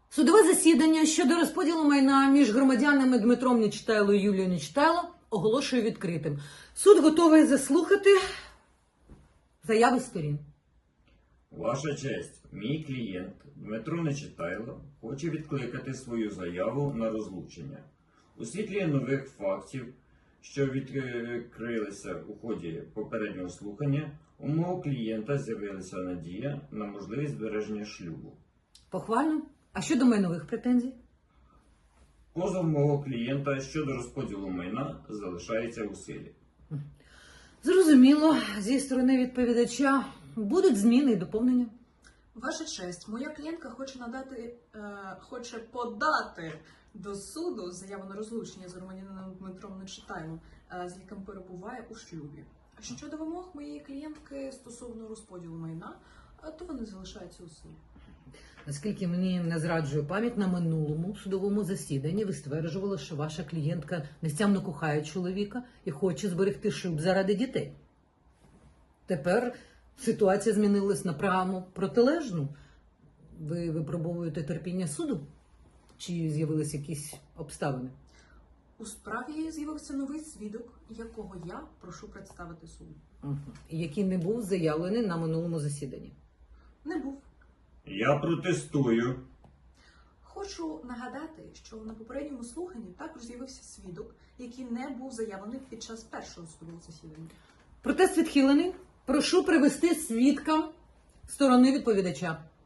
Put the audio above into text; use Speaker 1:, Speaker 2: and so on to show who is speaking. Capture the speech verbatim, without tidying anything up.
Speaker 1: Судове засідання щодо розподілу майна між громадянами Дмитром Нечитайло і Юлією Нечитайло оголошую відкритим. Суд готовий заслухати заяви сторін.
Speaker 2: Ваша честь, мій клієнт Дмитро Нечитайло хоче відкликати свою заяву на розлучення. У світлі нових фактів, що відкрилися у ході попереднього слухання, у мого клієнта з'явилася надія на можливість збереження шлюбу.
Speaker 1: Похвально. А щодо майнових претензій?
Speaker 2: Позов мого клієнта щодо розподілу майна залишається у силі.
Speaker 1: Зрозуміло, зі сторони відповідача будуть зміни і доповнення.
Speaker 3: Ваша честь, моя клієнтка хоче надати, е, хоче подати до суду заяву на розлучення з громадянином Дмитром Нечитайлом, е, з яким перебуває у шлюбі. А щодо вимог моєї клієнтки стосовно розподілу майна, е, то вони залишаються у силі.
Speaker 1: Наскільки мені не зраджує пам'ять, на минулому судовому засіданні ви стверджували, що ваша клієнтка нестямно кохає чоловіка і хоче зберегти шлюб заради дітей. Тепер ситуація змінилась на прямо протилежну. Ви випробовуєте терпіння суду? Чи з'явились якісь обставини?
Speaker 3: У справі з'явився новий свідок, якого я прошу представити суду.
Speaker 1: Угу. Який не був заявлений на минулому засіданні.
Speaker 3: Не був.
Speaker 2: Я протестую.
Speaker 3: Хочу нагадати, що на попередньому слуханні також з'явився свідок, який не був заявлений під час першого судового засідання.
Speaker 1: Протест відхилений. Прошу привести свідка сторони відповідача.